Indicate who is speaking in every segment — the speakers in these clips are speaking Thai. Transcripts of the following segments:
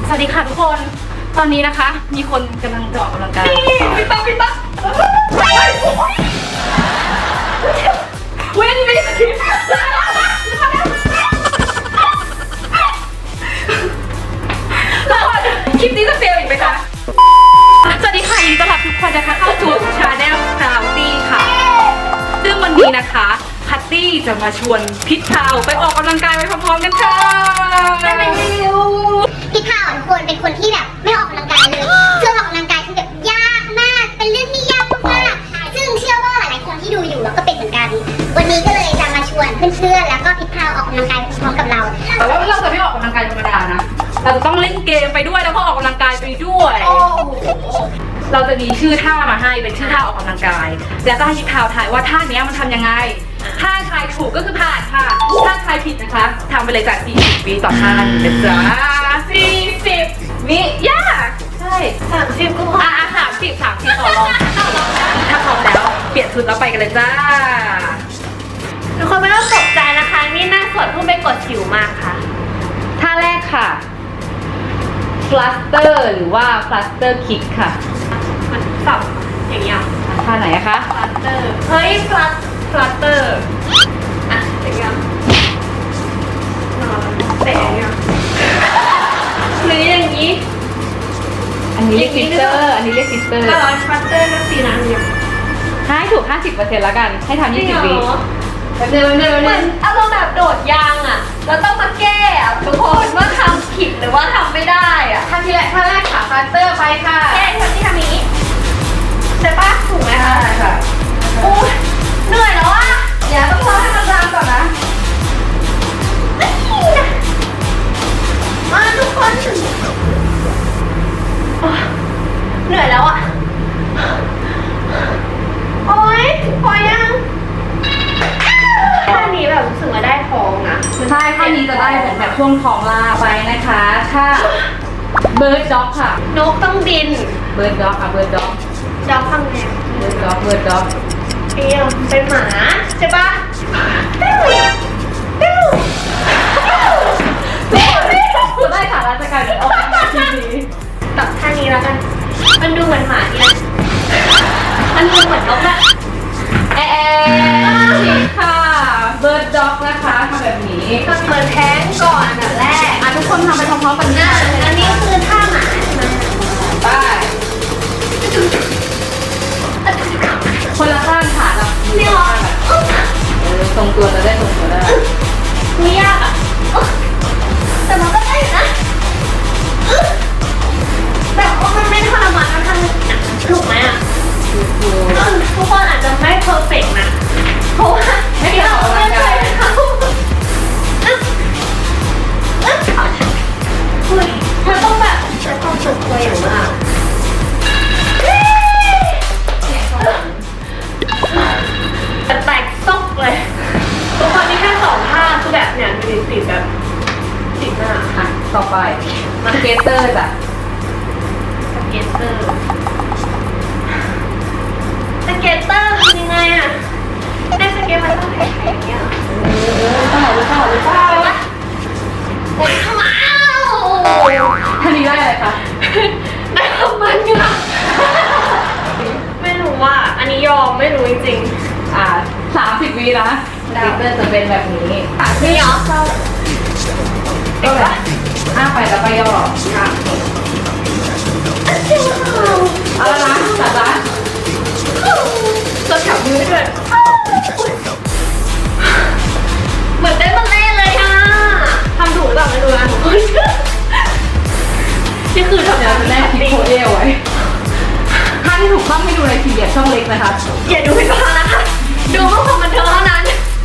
Speaker 1: สวัสดีค่ะทุกคน ตอนนี้นะคะ มีคนกำลังจะออกกำลังกายพี่ต๊อกเว้นไม่สคริปต์คลิปนี้จะเฟลอีกไหมคะสวัสดีค่ะยินดีต้อนรับทุกคนนะคะเข้าสู่ชาแนลพราวตี้ค่ะซึ่งวันนี้นะคะพัตตี้จะมาชวนพิชพาวไปออกกำลังกายไปพร้อมๆกันค่ะ
Speaker 2: พี่ข่าวทุกคนเป็นคนที่แบบไม่ออกกำลังกายเลยเชื่อออกกำลังกายคือแบบยากมากเป็นเรื่องที่ยากมากๆซึ่งเชื่อว่าหลายๆคนที่ดูอยู่แล้วก็เป็นเหมือนกันวันนี้ก็เลยจะมาชวนเพื่อนๆแล้วก็พี่ข่าวออกกำลังกายพร้อมกับเรา
Speaker 1: แต่ว่าเราจะไม่ออกกำลังกายธรรมดานะเราจะต้องเล่นเกมไปด้วยแล้วก็ออกกำลังกายไปด้วยเราจะมีชื่อท่ามาให้เป็นชื่อท่าออกกำลังกายแล้วก็ให้พี่พาวทายว่าท่านี้มันทำยังไงถ้าทายถูกก็คือผ่านค่ะถ้าทายผิดนะคะทำไปเลยจาก40 วิต่อท่านะจ๊ะ40 วิยากใช่30ก็พอ30ต่อรองถ้าพร้อมแล้วเปลี่ยนชุดแล้วไปกันเลยจ้า
Speaker 3: ทุกคนไม่ต้องตกใจนะคะนี่หน้าสดเพิ่งไปกดสิวมาค่ะ
Speaker 1: ท่าแรกค่ะ fluster หรือว่า fluster kick ค่ะ
Speaker 3: มันสับอย่างเงี้ย
Speaker 1: ท่าไหนคะ
Speaker 3: fluster เฮ้ย fluster อ่ะอย่างเงี้ยแต่อย่างเงี้ยหรืออย่างงี้
Speaker 1: อันนี้เรียก sister อันนี้เรียก sister
Speaker 3: ก็ร้อย fluster ก็สีน้ำเนี่ย
Speaker 1: ให้ถูก 50% แล้วกันให้ทำ20 วิเห
Speaker 3: มือนอารมณ์แบบโดดยางอ่ะแล้วต้องมาแก้อ่ะทุกคนว่าทำผิดหรือว่าทำไม่ได้อ่ะ
Speaker 1: ท่าที่แรกค่ะ fluster ไปค่ะ
Speaker 3: แก้ที่ทำนี้ใช่ปะถูกไหมคะ
Speaker 1: ใช่ค่ะ
Speaker 3: โอ้ยเหนื่อยแล้วอ่ะ
Speaker 1: เดี๋ยวต้องรอให้มันจางก่อนนะ
Speaker 3: มาทุกคนเหนื่อยแล้วอ่ะโอ๊ยพอยังท่านี้แบบรู้สึกว่าได้ท้องนะ
Speaker 1: ใช่ท่านี้จะได้เหมือนแบบช่วงท้องลาไปนะคะถ้า bird dog ค่ะ
Speaker 3: นกต้องบิน
Speaker 1: bird dog ค่ะ bird dog
Speaker 3: ดอกทำไง
Speaker 1: bird dog
Speaker 3: เอี้ยวเป็นหมาใช่ปะ
Speaker 1: จะได้ค่ะราชการออกมาทีนี้
Speaker 3: ตัดท่านี้แล้วกันมันดูเหมือนหมาดีนะมันดูเหมือนนกอะ
Speaker 1: ผิดค่ะ bird dog นะคะทำแบบนี้
Speaker 3: ทำเหมือนแท้งก่อนอันดับแรก
Speaker 1: ทุกคนทำไปพร้อมๆกันนะ
Speaker 3: อันนี้คือท่าหมาใช่ไหม
Speaker 1: ไปคนละข้างขาแบบ
Speaker 3: นี่หรอ
Speaker 1: ทรงตัวจะได้ทรงตัวได้
Speaker 3: ไม่ยากอ่ะแต่มันก็ได้อยู่นะแบบว่ามันไม่ทรมานนะทำถูกไหมอ่ะทุกคนอาจจะไม่เพอร์เฟกต์นะเพราะว่า
Speaker 1: ไม่ได้ออกกำลังกาย
Speaker 3: เธอต้องแบบใช้ความสุขตัวอย่างมากแตกซกเลยทุกคนนี่แค่2 ท่าคือแบบเนี่ยดูติดแบบติดหน้า
Speaker 1: ค่ะต่อไปสเก็ตเตอร์จ้ะ
Speaker 3: สเก็ตเตอร์คือยังไงอ่ะได้สเก็ตมันต้องแข็งอย่างเงี้ย
Speaker 1: หรือเปล่า
Speaker 3: โอ้ยขมา
Speaker 1: ท่านี้ได้อะไรคะ
Speaker 3: ได้ของมันอยู่นะไม่รู้ว่าอันนี้ยอมไม่รู้จริง
Speaker 1: ๆ30 วินะสเก็ตเตอร์จะเป็นแบบนี้
Speaker 3: นี่เหรอ
Speaker 1: ก็แบบไปแล้วไปย่อค่ะเอาละนะจัดละ
Speaker 3: ตัวแถวมือด้วยเหมือนเต้นบัลเล่เลยอ่ะทำถูกหรือเปล่าไม่รู้นะทุกคนนี่คือทำงาน
Speaker 1: แรกที่โคเอไว้ถ้าที่ถูกต้องให้ดูในทีเดียช่องเล็กนะคะ
Speaker 3: อย่าดูให้ฟังนะคะดูเพื่อความบันเทิงเท่านั้น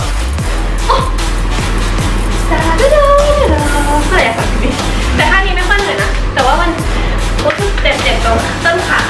Speaker 3: แต่ท่านี้ไม่ค่อยเหนื่อยนะแต่ว่ามันรู้สึกเจ็บตรงต้นขา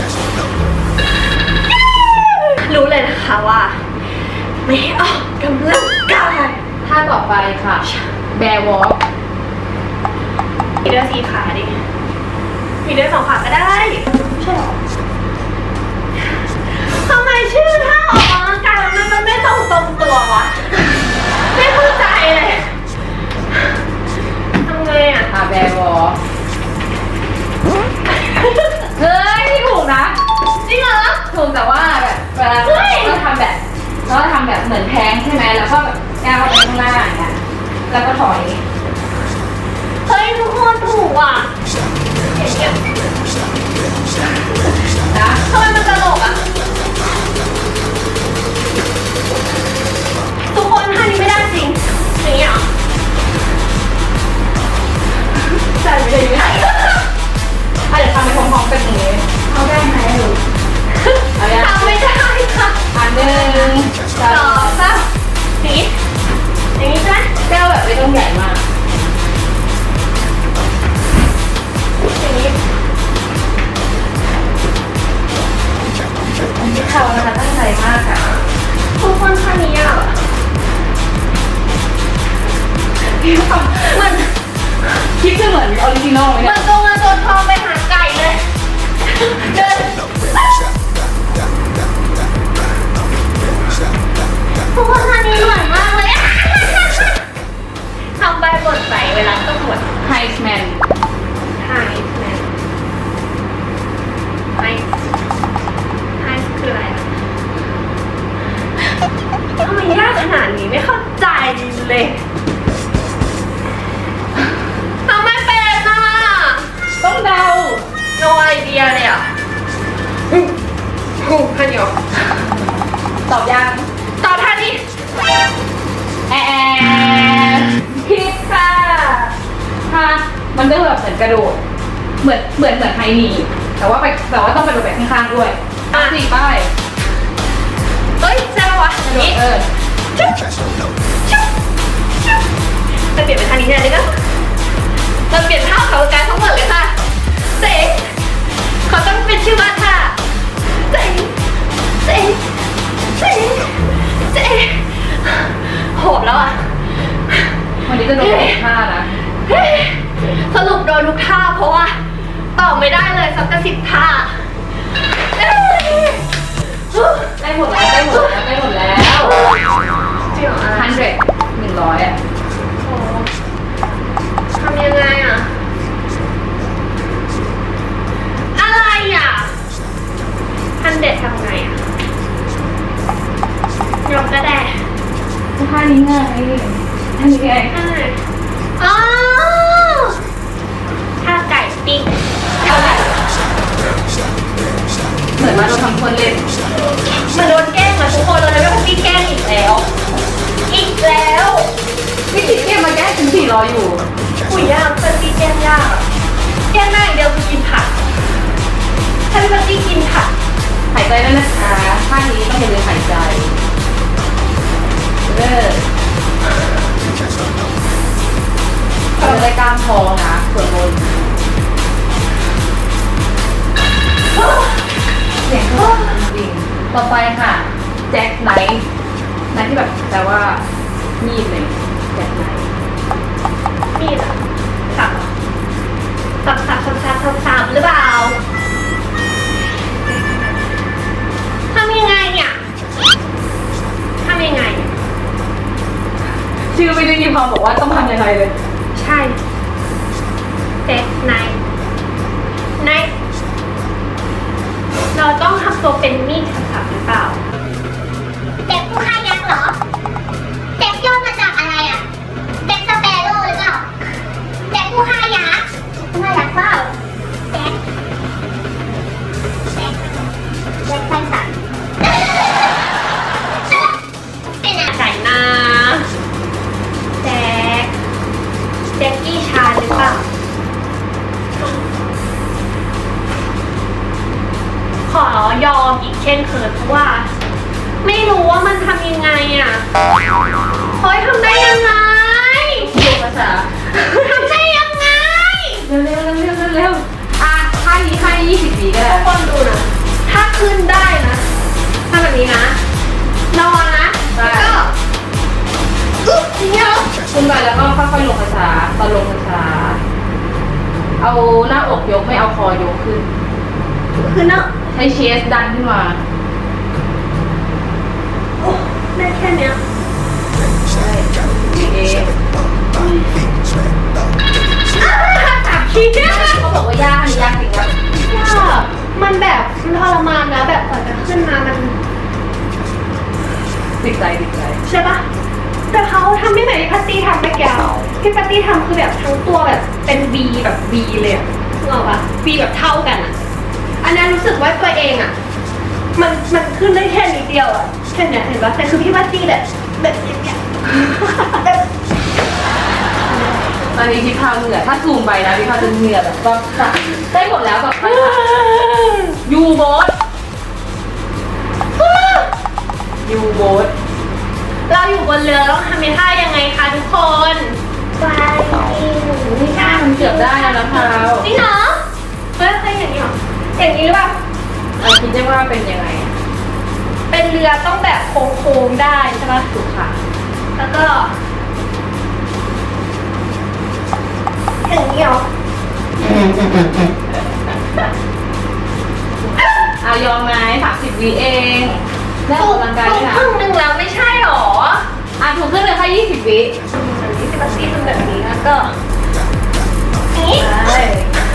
Speaker 3: รู้เลยนะคะว่าไม่ออกกำลังกาย
Speaker 1: ท่าต่อไปค่ะ bear walk
Speaker 3: มีด้วย4 ขาดิมีด้วย2 ขาก็ได้ใช่หรอทำไมชื่อท่าออกกำลังกายมันไม่ตรงตัววะไม่เข้าใจเลยทำไงอ่ะ
Speaker 1: bear walk เวลาเราทำแบบเหมือนแท้งใช่ไหมแล้วก็แบบก้าวไปข้างหน้าอย่างเงี้ยแล้วก็ถอย
Speaker 3: เฮ้ยทุกคนถูกอ่ะเก็บ
Speaker 1: นะ
Speaker 3: ทำไมมันตลกอ่ะทุกคนท่านี้ไม่ได้จริงอย่างเงี้ยเหรอ
Speaker 1: ใช่ไม่ได้ยังไงเดี๋ยวทำไปพร้อมๆกันอย่างนี้เอาได้ไหมลูกเอาอย่าง
Speaker 3: ทำไม่ได้ค่ะ
Speaker 1: อันหนึ่งส
Speaker 3: ส
Speaker 1: อ
Speaker 3: อง งสามอย่างนี้อย่างนี้ใช่ไหม
Speaker 1: แก้วแบบไม่ต้องใหญ่มาก
Speaker 3: อย่างนี้
Speaker 1: เขานะคะตั้งใจมากค่ะ
Speaker 3: ทุกคนท่านี้อ่ะ
Speaker 1: มันคิดจะเหมือนออริจินอลไหม
Speaker 3: เหมื
Speaker 1: เนี่
Speaker 3: อย นตัวเงินตัวทองไปหาไก่เลยเดินทุกคนท่านี้เหมือนมากเลยอะทำใบบทใส่เวลาต้องบท
Speaker 1: ไฮส์แมน
Speaker 3: ไฮแมนไฮคืออะไรอะทำไมยากขนาดนี้ไม่เข้าใจเลยทำไม่เป็นอ่ะ
Speaker 1: ต้องเดา
Speaker 3: no idea เลยอ่ะท่านเดียว
Speaker 1: ตอบยัง
Speaker 3: ตอบท่านี้
Speaker 1: ผิดค่ะค่ะมันก็แบบเหมือนกระโดด เหมือนไฮนีแต่ว่าต้องกระโดดแบบข้างๆด้วยสี่ป้าย
Speaker 3: เฮ้ยใช่ปะวะ
Speaker 1: กระโด
Speaker 3: นี่
Speaker 1: ด
Speaker 3: ชุบไปเปลี่ยนเป็นท่านี้แทนเลยนะมันเปลี่ยนท่าเขาการทั้งหมดเลยค่ะเจ๋งเขาต้องเป็นชื่อว่าท่าเจ๋งเจ๋งเจ๋งเจ๋งโหดแล้วอ่ะ
Speaker 1: วันนี้จะโดดท่านะ
Speaker 3: สรุปโดนทุกท่าเพราะว่าตอบไม่ได้เลยสัก10ท่า
Speaker 1: ได้หมดแล้ว
Speaker 3: จริงเหรอ
Speaker 1: 100อ่ะ
Speaker 3: ทำยังไงอ่ะ อะไรอ่ะ100ทำไงอ่ะยกก็ได้
Speaker 1: ท่านี้ไงท่านี้ไง
Speaker 3: อ๋อท่าไก่ปิ้ง
Speaker 1: เหมือนว่าเราทำคนเล่น
Speaker 3: มันโดนแกล้งอ่ะทุกคนเลยว่าพี่แกล้งอีกแล้ว อีกแล้ว
Speaker 1: พี่ติดเกมมาแก้ถึง400อยู่
Speaker 3: อุ้ยยากเป็นพี่แกล้งยากอะแกล้งได้อย่างเดียวคือกินผักถ้าพี่ปาร์ตี้กินผัก
Speaker 1: หายใจด้วยนะคะท่านี้ต้องอย่าลืมหายใจเราได้กล้ามท้องนะส่วนบนเสียงก็จริงๆต่อไปค่ะแจ็คไนท์ที่แบบแปลว่ามีดเลยแจ็คไนท์
Speaker 3: มีดอะสับสับหรือเปล่าทำยังไงเนี่ยทำยังไง
Speaker 1: ชื่อไม่ได้มีความบอกว่าต้องทำยังไงเลย
Speaker 3: ใช่เจ็ดไนเราต้องทำตัวเป็นมีดสับหรือเปล่า
Speaker 2: เด็กผู้ฆ่ายักษ์เหรอเด็กย่อมาจากอะไรอ่ะเด็กสเปโร่หรือเปล่าเด็กผู้ฆ่ายักษ์ผู้ฆ่ายักษ์เปล่าเด็กไฟสันเป็นอะไร
Speaker 3: ไก่นาแจ็คกี้ชาหรือเปล่า ขอยอมอีกเช่นเคยเพราะว่า ไม่รู้ว่ามันทำยังไงอ่ะเฮ้ยทำได้ยังไง
Speaker 1: ดูภาษา
Speaker 3: ทำได้ยังไง
Speaker 1: เร็วอ่ะท่านี้ให้20 วิก็ได้
Speaker 3: ทุกคนดูนะ ถ้าขึ้นได้นะทำแบบนี้นะ นอนนะ แล้วก็อึ๊บอย่างเงี้ย
Speaker 1: ขึ้นไปแล้วก็ค่อยๆลงช้าๆตอนลงช้าๆเอาหน้าอกยกไม่เอาคอยกขึ้น
Speaker 3: คือเนาะ
Speaker 1: ใช้เชสดันขึ้นมา
Speaker 3: โอ้ได้แค่เนี้ย
Speaker 1: ใช่เอ
Speaker 3: ตับขี้เนี่ย
Speaker 1: เขาบอกว่ายากอันนี้ยากจริงนะ
Speaker 3: ยากมันแบบมันทรมานนะแบบกว่าจะขึ้นมามัน
Speaker 1: ติดใจ
Speaker 3: ใช่ปะแต่เขาทำไม่เหมือนที่พัตตี้ทำไปแก้วที่พัตตี้ทำคือแบบทั้งตัวแบบเป็น V แบบ V เลยอะนึกออกปะ V แบบเท่ากันอะอันนั้นรู้สึกว่าตัวเองอะมันขึ้นได้แค่นิดเดียวอะแค่เนี้ยเห็นปะแต่คือพี่พัตตี้แบบอย่างเงี้ย
Speaker 1: ตอนนี้พี่พาวเหงื่อถ้าซูมไปนะพี่พาวจะเหงื่อแบบก็ได้หมดแล้วแบบยูโบส
Speaker 3: เราอยู่บนเรือต้องทำท่ายังไงคะทุกคน
Speaker 1: นี่ค่ะมันเกือบได้แล้วนะพาว
Speaker 3: จริงเหรอเฮ้ยเคยอย่างนี้เหรออย่างนี้หรือเปล่า
Speaker 1: คิดได้ว่าเป็นยังไง
Speaker 3: เป็นเรือต้องแบบโค้งๆได้ใช่ปะ
Speaker 1: ถูกค่ะ
Speaker 3: แล้วก็อย่างนี้เหรอ
Speaker 1: ยอมไหม30 วิเองได้ออกกำลังกายด้วยนะ
Speaker 3: ครึ่งหนึ่งแล้วไม่ใช่หรอ
Speaker 1: ถูกขึ้นเลยค่ะ20 วิ
Speaker 3: อันนี้สิบสี่ทำแบบนี้แล้วก็นี่
Speaker 1: ใช่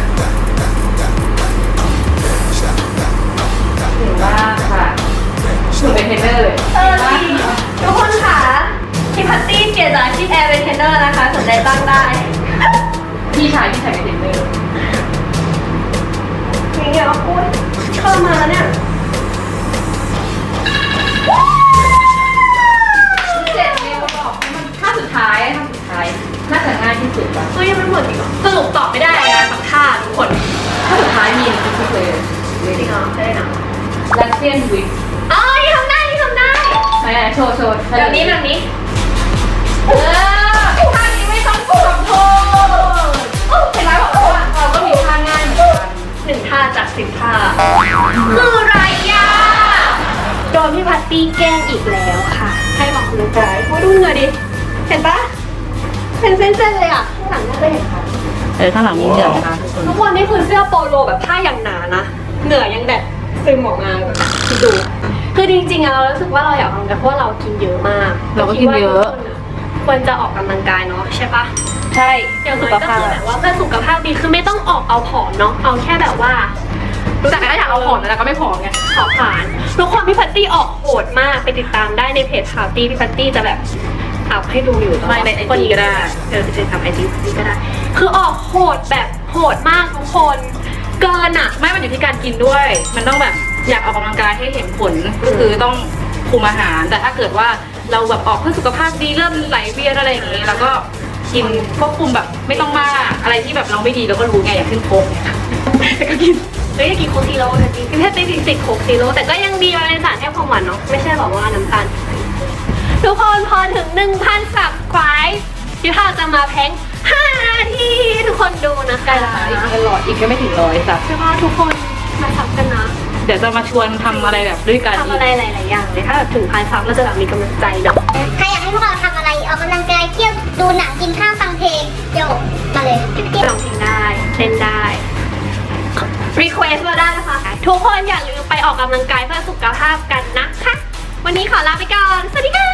Speaker 1: ถือว่าค่ะหนูเป็นเทรนเนอร์เลย
Speaker 3: จริงทุกคนค่ะพี่พัตตี้เปลี่ยนจากอาชีพแอร์เป็นเทรนเนอร์นะคะสนใจตั้งได้
Speaker 1: พี่ชายเป็นเทรนเนอร์
Speaker 3: อย่างเงี้ยโอ๊ยเข้ามาแล้วเนี่ย
Speaker 1: 7 เมลบอกมันท่าสุดท้ายน่าจะง่ายที่สุดป่ะ
Speaker 3: เฮ้ยมันหมดอีกเหรอสรุปตอบไม่ได้นะสักท่าทุกคน
Speaker 1: ท่าสุดท้ายมีทุกเลย
Speaker 3: จริงเหรอได้นะ
Speaker 1: ลัสเซียนวิก
Speaker 3: อ๋อนี่ทำได้นี่ทำได้
Speaker 1: ไหนโชว์
Speaker 3: แบบนี้แบบนี้
Speaker 1: ท่านี้ไม่ต้องกดโทษเห็นไหมบอกว่าเราก็มีท่าง่ายเหมือนกัน
Speaker 3: 1 ท่าจาก10 ท่าคืออะไรอ่ะโดนพี่พัตตี้แกล้งอีกแล้วค่ะ ให้ออกกำลังกายโอ้ดูเหงื่อดิเห็นปะเป็นเส้นๆเลยอ่ะข้างหลังไม่เคยเห็นค่ะ
Speaker 1: ข้างหลังมีเหงื่อนะคะทุกคน
Speaker 3: ทุกคนนี่คือเสื้อโปโลแบบผ้าอย่างหนานะเหงื่อยังแบบซึมออกมาแบบคิดดู คือจริงๆอะเรารู้สึกว่าเราอยากออกกำลังกายเพราะว่าเรากินเยอะมาก
Speaker 1: เราก็กินเยอะ
Speaker 3: ควรจะออกกำลังกายเนาะใช่ปะ
Speaker 1: ใช่
Speaker 3: อย่างน้อยก็คือแบบว่าเพื่อสุขภาพดีคือไม่ต้องออกเอาผอมเนาะเอาแค่แบบว่า
Speaker 1: แต่ก็อยากเอาผอมแต่ก็ไม่ผอมไง
Speaker 3: ขอผ่านทุกคนพี่พัตตี้ออกโหดมากไปติดตามได้ในเพจข่าวตี้พี่พัตตี้จะแบบอัพให้ดูอยู่
Speaker 1: ไม่ในไอจีก็ได้
Speaker 3: ไปติดตามไอจีก็ได้ คือออกโหดแบบโหดมากทุกคน เกินอ่ะ
Speaker 1: ไม่มันอยู่ที่การกินด้วย มันต้องแบบอยากออกกำลังกายให้เห็นผลก็คือต้องคุมอาหาร แต่ถ้าเกิดว่าเราแบบออกเพื่อสุขภาพดีเริ่มไหลเวียนอะไรอย่างงี้เราก็กินควบคุมแบบไม่ต้องมากอะไรที่แบบเราไม่ดีเราก็รู้ไงอย่างขึ้นโค้กเนี่ยแต่ก็กิน
Speaker 3: เฮ้ยกินโค้กซีโร่จริงพี่เพชรติดโค้กซีโร่แต่ก็ยังดีมันเป็นสารให้ความหวานเนาะไม่ใช่แบบว่าน้ำตาลทุกคนพอถึง 1,000 subscribe พี่พาจะมาแพ้ง5 นาทีทุกคนดูนะคะ
Speaker 1: อีกตลอดอีกก็ไม่ถึง100สัก
Speaker 3: ใช่ป่ะทุกคนมาซับกันนะ
Speaker 1: เดี๋ยวจะมาชวนทำอะไรแบบด้วยกัน
Speaker 3: ทำอะไรหลายๆอย่างเลยถ้าแบบถึง1,000 ซับเราจะแบบมีกำลังใจเนาะ
Speaker 2: ใครอยากให้พวกเราทำอะไรออกกำลังกายเที่ยวดูหนังกินข้าวฟังเพลงเดี๋ยวมาเลย
Speaker 3: ร้องเพลงได้เต้นได้ request มาได้นะคะทุกคนอย่าลืมไปออกกำลังกายเพื่อสุขภาพกันนะคะวันนี้ขอลาไปก่อนสวัสดีค่ะ